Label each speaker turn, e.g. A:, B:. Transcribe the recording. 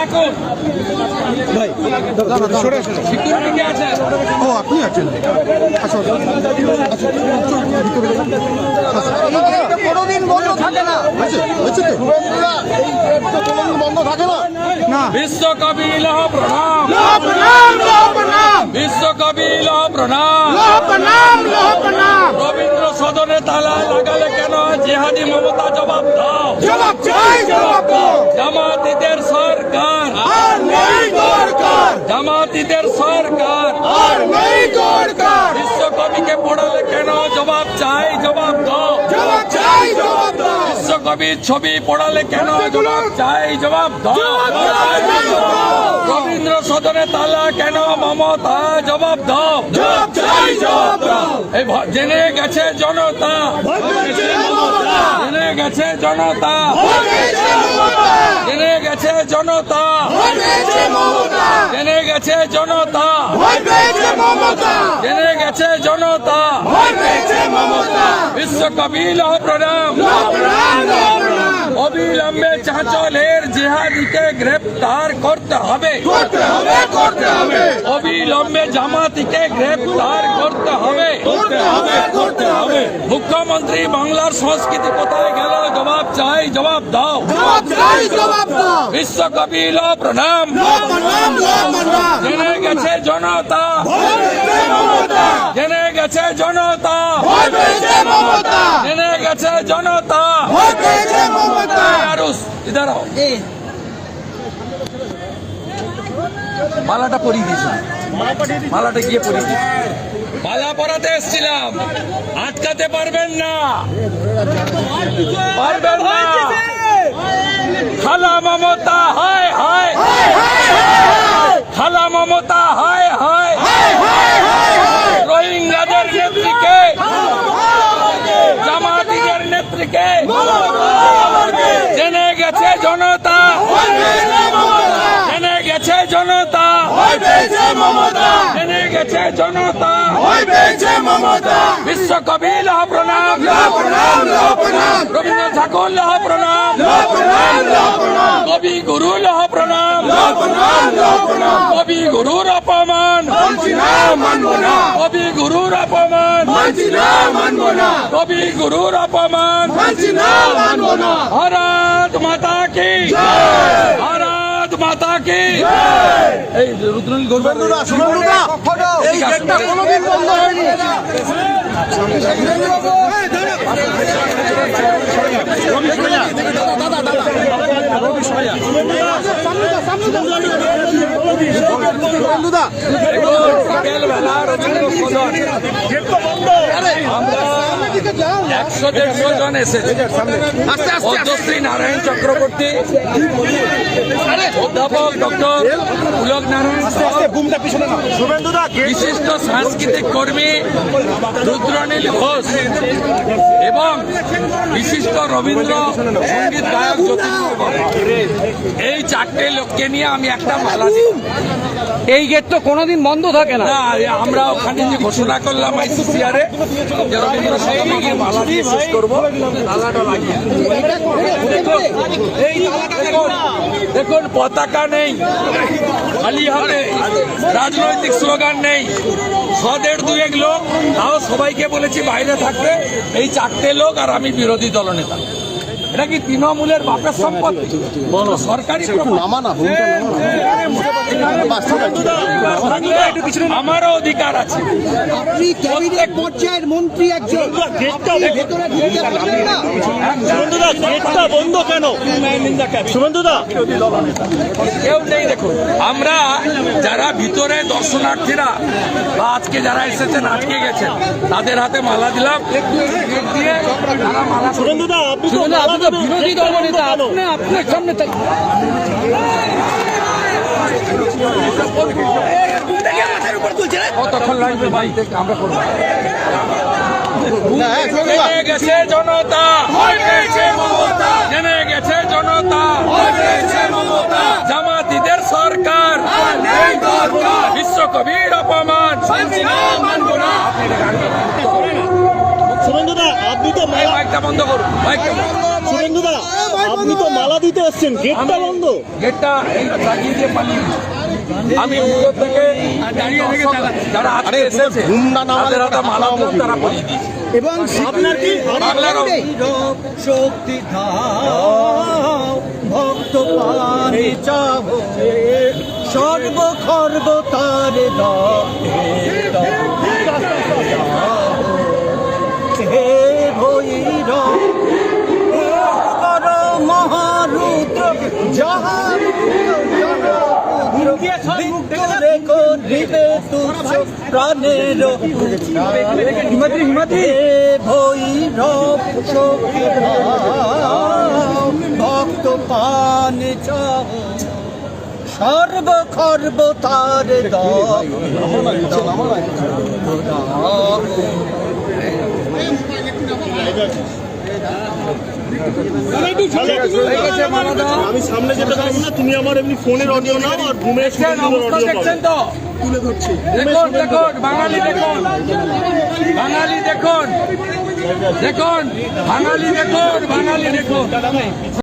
A: ডাকুন
B: ভাই সরে আসুন।
A: সিকিউরিটি কে আছে?
B: ও আপনি আছেন? আচ্ছা
C: কোনোদিন বন্ধ থাকে না। বন্ধ থাকে না।
A: বিশ্বকবি লহ প্রণাম, বিশ্বকবি লহ প্রণাম। রবীন্দ্র সদনে তালা লাগালে কেন? জিহাদি মমতা জবাব দাও। জামাতিদের সরকার, জামাতিদের সরকার। বিশ্বকবিকে পড়ালে কেন? জবাব চাই, জবাব দাও। বিশ্বকবির ছবি পড়ালে কেন? জবাব চাই, জবাব দাও। রবীন্দ্র সদনে তালা কেন? মমতা জবাব দাও। এই জেনে গেছে জনতা, জেনে গেছে জনতা, জেনে গেছে জনতা, জেনে গেছে জনতা, জেনে গেছে জনতা। বিশ্বকবি লহ প্রণাম। অবিলম্বে চাঁচলের জিহাদিকে গ্রেপ্তার করতে হবে, অবিলম্বে জামাতিকে গ্রেপ্তার করতে হবে। মুখ্যমন্ত্রী বাংলার সংস্কৃতি কোথায় গেল? জবাব চাই, জবাব দাও। বিশ্বকবি লহ প্রণাম। জেনে গেছে জনতা, জেনে গেছে জনতা, জেনে গেছে জনতা। ইধার আও। মালাটা পরিয়ে দিয়েছি, মালাটা গিয়ে পরিয়ে দিয়েছি। মালা পরাতে এসছিলাম, আটকাতে পারবেন না, পারবেন না। খালা মমতা হায় হায়, খালা মমতা হায় হায়। রোহিঙ্গাদের নেত্রীকে, জামাতিদের নেত্রীকে জেনে গেছে জনতা, জেনে গেছে জনতা, জেনে গেছে জনতা। বিশ্বকবি লহ প্রণাম, রবীন্দ্র ঠাকুর লহ প্রণাম, কবি গুরু লহ প্রণাম। কবি গুরুর অপমান, কবি গুরুর অপমান, কবি গুরুর অপমান। ভারত মাতা কি, ভারত মাতা কি। এই রুদ্রনীল
C: শুভেন্দুদা, এই গেটটা কোনোদিন বন্ধ হয়নি।
A: বিকেলবেলা রবীন্দ্র সদন 100-150 জন এসেছে। পদ্মশ্রী নারায়ণ চক্রবর্তী, অধ্যাপক ডক্টর পুলক নারায়ণ, বিশিষ্ট সাংস্কৃতিক কর্মী রুদ্রনীল ঘোষ এবং বিশিষ্ট রবীন্দ্র সঙ্গীত গায়ক জ্যোতিষ। এই 4টে লোককে নিয়ে আমি একটা মালা দিই।
D: এই গেট তো কোনোদিন বন্ধ থাকে না।
A: আমরা ওখানে যে ঘোষণা করলাম আইসিসিআরে যে রবীন্দ্র সদনে মালা দিয়ে শেষ করবো, তালাটা লাগিয়ে। দেখুন পতাকা নেই, খালি হাতে, রাজনৈতিক স্লোগান নেই। 100-150 লোক, তাও সবাইকে বলেছি বাইরে থাকবে। এই 4টে লোক আর আমি বিরোধী দলনেতা। এটা কি তৃণমূলের বাপের সম্পত্তি? সরকারি আমারও অধিকার আছে।
C: আপনি ক্যাবিনেট পর্যায়ের মন্ত্রী একজন,
B: গেটটা বন্ধ কেন? শুভেন্দুদা
A: কেউ নেই। দেখুন আমরা যারা ভিতরে দর্শনার্থীরা বা আজকে যারা এসেছেন আটকে গেছেন, তাদের হাতে মালা দিলাম। দিয়ে তারা মালা।
B: শুভেন্দুদা আপনি তো
D: বিরোধী দলনেতা, আপনার সামনে
A: কতক্ষণ লাগবে ভাই? আমরা করবো। জেনে গেছে জনতা, জেনে গেছে জনতা। জামাতিদের সরকার, বিশ্বকবির অপমান।
B: শুভেন্দুদা আপনি তো
A: মাইকটা বন্ধ করুন, মাইকটা।
B: শুভেন্দুদা আপনি তো মালা দিতে এসছেন, গেটটা বন্ধ।
A: গেটটা এই লাগিয়ে দিয়ে পালিয়ে গেছে। আমি ভিতর থেকে যারা আজকে এসেছে তাদের হাতে মালা দিলাম, তারা পালিয়ে দিয়েছে।
B: এবং আপনার কি
A: বাংলার
C: শক্তি দাও ভক্ত পানে চাবো সর্বখর্ব তার দাও হে ভৈরব কর মহারুদ্র যাহা প্রাণের হে ভৈরব শক্তি দাও ভক্ত পানে চাও সর্বখর্ব তার দাও
B: আমি সামনে যেতে পারবো না, তুমি আমার এমনি ফোনের অডিও নাও আর ঘুমে
A: দেখছেন অবস্থা দেখছেন তো,
B: তুলে ধরছি।
A: দেখুন দেখুন বাঙালি দেখুন, বাঙালি দেখুন, দেখুন বাঙালি দেখুন, বাঙালি দেখুন।